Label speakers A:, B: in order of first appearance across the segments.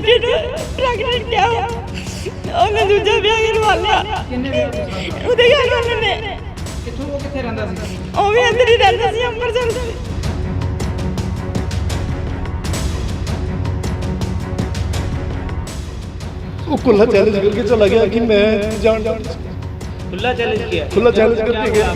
A: ਬੇਟੀ ਨੂੰ ਪ੍ਰੈਗਨੈਂਟ ਕਿਹਾ ਉਹਨੇ ਦੂਜਾ ਵਿਆਹ ਕਰਵਾ ਲਿਆ।
B: ਕਿੰਨੇ ਵਿਆਹ ਦੂਸਰਾ ਕਰਵਾਇਆ?
A: ਉਹਦੇ ਘਰ ਵਾਲੇ ਨੇ।
B: ਕਿੱਥੋਂ ਉਹ ਕਿੱਥੇ ਰਹਿੰਦਾ ਸੀ?
A: ਉਹ ਵੀ ਅੰਦਰ ਹੀ ਰਹਿੰਦਾ ਸੀ ਅੰਮ੍ਰਿਤਸਰ ਦੇ।
C: वो खुला चैलेंज करके चला गया कि मैं जान
D: खुला चैलेंज किया?
C: खुला चैलेंज करके गया।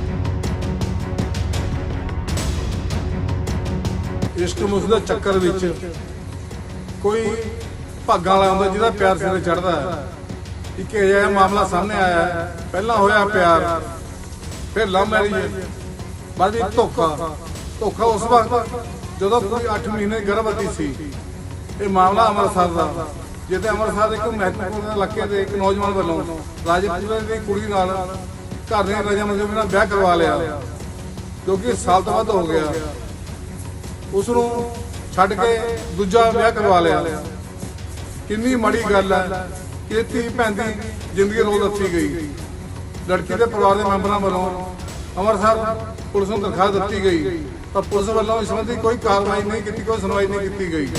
E: ਇਸ਼ਕ ਮੁਸਕ ਦੇ ਚੱਕਰ ਵਿੱਚ ਕੋਈ ਭਾਗਾਂ ਵਾਲਾ ਹੁੰਦਾ ਜਿਹਦਾ ਪਿਆਰ ਸਿਰੇ ਚੜਦਾ ਹੈ। ਇੱਕ ਇਹ ਜਿਹਾ ਮਾਮਲਾ ਸਾਹਮਣੇ ਆਇਆ ਹੈ। ਪਹਿਲਾਂ ਹੋਇਆ ਪਿਆਰ, ਫਿਰ ਲਵ ਮੈਰਿਜ, ਬਾਅਦ ਵਿੱਚ ਧੋਖਾ ਉਸ ਵਕਤ ਜਦੋਂ ਕੋਈ 8 ਮਹੀਨੇ ਗਰਭਵਤੀ ਸੀ। ਇਹ ਮਾਮਲਾ ਅੰਮ੍ਰਿਤਸਰ ਦਾ, ਜਿੱਥੇ ਅੰਮ੍ਰਿਤਸਰ ਦੇ ਇੱਕ ਮਹਿਤਪੂਰਨ ਇਲਾਕੇ ਦੇ ਇੱਕ ਨੌਜਵਾਨ ਵੱਲੋਂ ਰਾਜਪੁਰੇ ਦੀ ਕੁੜੀ ਨਾਲ ਘਰ ਦੇ ਰਜਾਮੰਦੀ ਨਾਲ ਵਿਆਹ ਕਰਵਾ ਲਿਆ, ਜੋ ਕਿ ਸਾਲ ਤੋਂ ਵੱਧ ਹੋ ਗਿਆ। ਉਸ ਨੂੰ ਛੱਡ ਕੇ ਦੂਜਾ ਵਿਆਹ ਕਰਵਾ ਲਿਆ। ਕਿੰਨੀ ਮਾੜੀ ਗੱਲ ਹੈ ਕਿ ਧੀ ਭੈਣ ਦੀ ਜ਼ਿੰਦਗੀ ਰੋਲ ਦਿੱਤੀ ਗਈ। ਲੜਕੀ ਦੇ ਪਰਿਵਾਰ ਦੇ ਮੈਂਬਰਾਂ ਵੱਲੋਂ ਅੰਮ੍ਰਿਤਸਰ ਪੁਲਿਸ ਨੂੰ ਦਰਖਾਸਤ ਦਿੱਤੀ ਗਈ, ਪਰ ਪੁਲਿਸ ਵੱਲੋਂ ਇਸ ਸੰਬੰਧੀ ਕੋਈ ਕਾਰਵਾਈ ਨਹੀਂ ਕੀਤੀ, ਕੋਈ ਸੁਣਵਾਈ ਨਹੀਂ ਕੀਤੀ ਗਈ।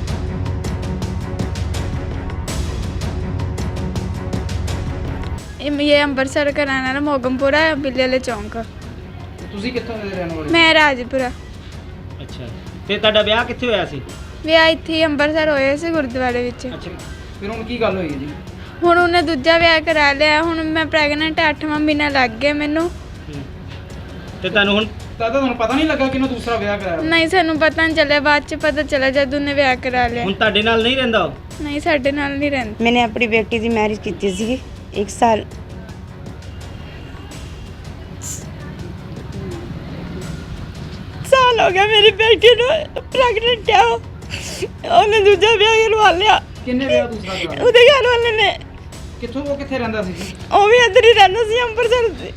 A: ये अंबरसर का रहने वाला मोगमपुरा बिल्ले वाले चौंक।
B: ਤੁਸੀਂ ਕਿੱਥੋਂ ਦੇ ਰਹਿਣ ਵਾਲੇ?
A: मैं राजपुरा।
D: ਅੱਛਾ, ਤੇ ਤੁਹਾਡਾ ਵਿਆਹ ਕਿੱਥੇ ਹੋਇਆ ਸੀ?
A: ਵਿਆਹ ਇੱਥੇ ਹੀ ਅੰਬਰਸਰ ਹੋਇਆ ਸੀ ਗੁਰਦੁਆਰੇ ਵਿੱਚ।
D: ਅੱਛਾ,
B: ਫਿਰ ਹੁਣ ਕੀ ਗੱਲ ਹੋਈ ਹੈ ਜੀ?
A: ਹੁਣ ਉਹਨੇ ਦੂਜਾ ਵਿਆਹ ਕਰਾ ਲਿਆ। ਹੁਣ ਮੈਂ ਪ੍ਰੈਗਨੈਂਟ 8ਵਾਂ ਮਹੀਨਾ ਲੱਗ ਗਿਆ ਮੈਨੂੰ।
D: ਤੇ ਤੁਹਾਨੂੰ ਹੁਣ
B: ਤਾਂ ਤੁਹਾਨੂੰ ਪਤਾ ਨਹੀਂ ਲੱਗਾ ਕਿ ਉਹਨੇ ਦੂਸਰਾ ਵਿਆਹ ਕਰਾਇਆ?
A: ਨਹੀਂ ਸਾਨੂੰ ਪਤਾ ਨਹੀਂ ਚੱਲਿਆ, ਬਾਅਦ ਚ ਪਤਾ ਚੱਲਿਆ ਜਦ ਉਹਨੇ ਵਿਆਹ ਕਰਾ ਲਿਆ।
D: ਹੁਣ ਤੁਹਾਡੇ ਨਾਲ ਨਹੀਂ ਰਹਿੰਦਾ ਉਹ?
A: ਨਹੀਂ ਸਾਡੇ ਨਾਲ ਨਹੀਂ ਰਹਿੰਦਾ।
F: मैंने अपनी बेटी की मैरिज की थी 1 साल।
A: ਸਾਲ ਹੋ ਗਿਆ ਮੇਰੀ ਬੇਟੀ ਨੂੰ ਪ੍ਰੈਗਨੈਂਟ ਕਿਹਾ ਉਹਨੇ ਦੂਜਾ ਵਿਆਹ ਕਰਵਾ ਲਿਆ।
B: ਕਿੰਨੇ ਵਿਆਹ ਦੂਸਰਾ ਕਰਵਾਇਆ?
A: ਉਹਦੇ ਘਰ ਵਾਲੇ ਨੇ।
B: ਕਿੱਥੋਂ ਉਹ ਕਿੱਥੇ ਰਹਿੰਦਾ ਸੀ?
A: ਉਹ ਵੀ ਅੰਦਰ ਹੀ ਰਹਿੰਦਾ ਸੀ ਅੰਮ੍ਰਿਤਸਰ ਦੇ।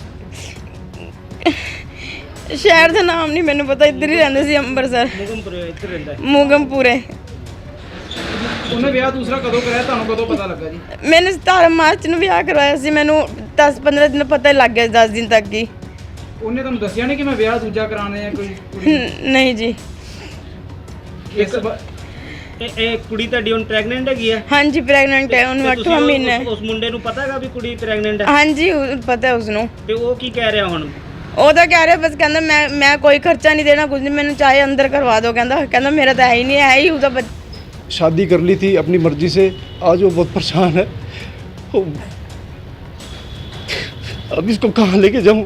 A: ਸ਼ਹਿਰ ਦਾ ਨਾਮ ਨਹੀਂ ਮੈਨੂੰ ਪਤਾ, ਇੱਧਰ ਹੀ ਰਹਿੰਦਾ ਸੀ ਅੰਮ੍ਰਿਤਸਰ
D: ਮੁਗਮਪੁਰੇ ਇੱਥੇ ਰਹਿੰਦਾ ਹੈ।
A: ਮੂਗਮਪੁਰੇ।
B: ਉਹਨੇ ਵਿਆਹ ਦੂਸਰਾ ਕਦੋਂ ਕਰਾਇਆ, ਤੁਹਾਨੂੰ ਕਦੋਂ ਪਤਾ ਲੱਗਾ ਜੀ?
A: ਮੈंने 17 ਮਾਰਚ ਨੂੰ ਵਿਆਹ ਕਰਵਾਇਆ ਸੀ। ਮੈਨੂੰ 10-15 ਦਿਨ ਪਤਾ ਹੀ ਲੱਗ ਗਿਆ, 10 ਦਿਨ ਤੱਕ ਹੀ।
B: ਉਹਨੇ ਤੁਹਾਨੂੰ ਦੱਸਿਆ ਨਹੀਂ ਕਿ ਮੈਂ ਵਿਆਹ ਦੂਜਾ ਕਰਾਉਣਾ ਹੈ ਕੋਈ ਕੁੜੀ?
A: ਨਹੀਂ ਜੀ।
B: ਇਸ
D: ਇਹ ਕੁੜੀ ਤੁਹਾਡੀ ਹੁਣ ਪ੍ਰੈਗਨੈਂਟ ਹੈਗੀ ਹੈ?
A: ਹਾਂਜੀ ਪ੍ਰੈਗਨੈਂਟ ਹੈ, ਉਹਨੂੰ
D: ਤੇ
A: 8ਵਾਂ
D: ਤੁਸੀਂ
A: ਮਹੀਨਾ ਹੈ।
D: ਉਸ ਮੁੰਡੇ ਨੂੰ ਪਤਾ ਹੈਗਾ ਵੀ ਕੁੜੀ ਪ੍ਰੈਗਨੈਂਟ ਹੈ?
A: ਹਾਂਜੀ ਪਤਾ ਹੈ ਉਸਨੂੰ।
D: ਤੇ ਉਹ ਕੀ ਕਹਿ ਰਿਹਾ ਹੁਣ?
A: ਉਹ ਤਾਂ ਕਹਿ ਰਿਹਾ ਬਸ, ਕਹਿੰਦਾ ਮੈਂ ਕੋਈ ਖਰਚਾ ਨਹੀਂ ਦੇਣਾ, ਕੁਝ ਨਹੀਂ, ਮੈਨੂੰ ਚਾਹੇ ਅੰਦਰ ਕਰਵਾ ਦਿਓ। ਕਹਿੰਦਾ ਮੇਰਾ ਤਾਂ ਹੈ ਹੀ ਨਹੀਂ, ਹੈ ਹੀ ਉਹਦਾ
C: शादी कर ली थी अपनी मर्जी से। आज वो बहुत परेशान है। अब इसको कहाँ लेके जाऊँ?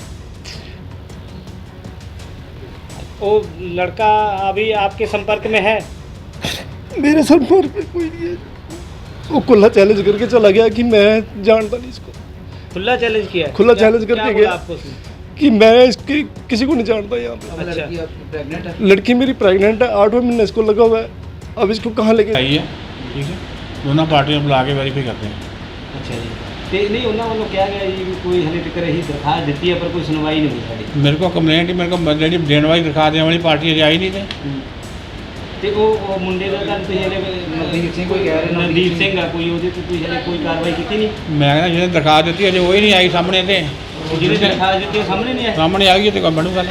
D: वो लड़का अभी आपके संपर्क में है?
C: मेरे संपर्क में कोई नहीं है। वो खुला चैलेंज करके चला गया कि मैं जानता नहीं इसको।
D: खुला चैलेंज किया है?
C: खुला
D: क्या-
C: challenge
D: क्या
C: करके
D: बोला
C: गया।
D: आपको उसने?
C: कि मैं इसकी किसी को नहीं जानता यहाँ पे।
B: अब लड़की आपकी प्रेग्नेंट है?
C: लड़की मेरी प्रेग्नेंट है, 8वां महीना इसको लगा हुआ है। अब इसको कहाँ लेके
G: आई है, ठीक है। दोनों पार्टियों को बुला के वेरीफाई करते हैं।
D: ਅੱਛਾ ਜੀ। ਤੇ ਨਹੀਂ ਉਹਨਾਂ ਵੱਲੋਂ ਕਿਹਾ ਗਿਆ ਜੀ ਵੀ ਕੋਈ ਹਲੇ ਤੱਕ ਇਹੀ ਦਰਖਾਸਤ ਦਿੱਤੀ ਹੈ ਪਰ ਕੋਈ ਸੁਣਵਾਈ ਨਹੀਂ ਹੋਈ ਸਾਡੀ।
G: मेरे को कंप्लेंट ही मेरे को जी देने वाली दिखा देने वाली पार्टी अजे आई नहीं थे।
D: ਤੇ ਉਹ ਮੁੰਡੇ ਦਾ ਤਾਂ ਤੁਸੀਂ ਹਲੇ
B: ਨਵਦੀਪ ਸਿੰਘ ਕੋਈ ਕਹਿ ਰਹੇ?
D: ਨਵਦੀਪ ਸਿੰਘ ਆ ਕੋਈ, ਉਹਦੇ ਤੇ ਤੁਸੀਂ ਹਲੇ ਕੋਈ ਕਾਰਵਾਈ ਕੀਤੀ ਨਹੀਂ?
G: मैं कहना जिन्हें दिखा दी अजे वही नहीं आई सामने थे।
D: ਜਿਹਨੇ ਦਰਖਾਸਤ ਦਿੱਤੀ ਉਹ ਸਾਹਮਣੇ ਨਹੀਂ ਆਇਆ?
G: सामने आ गई तो बनूगा।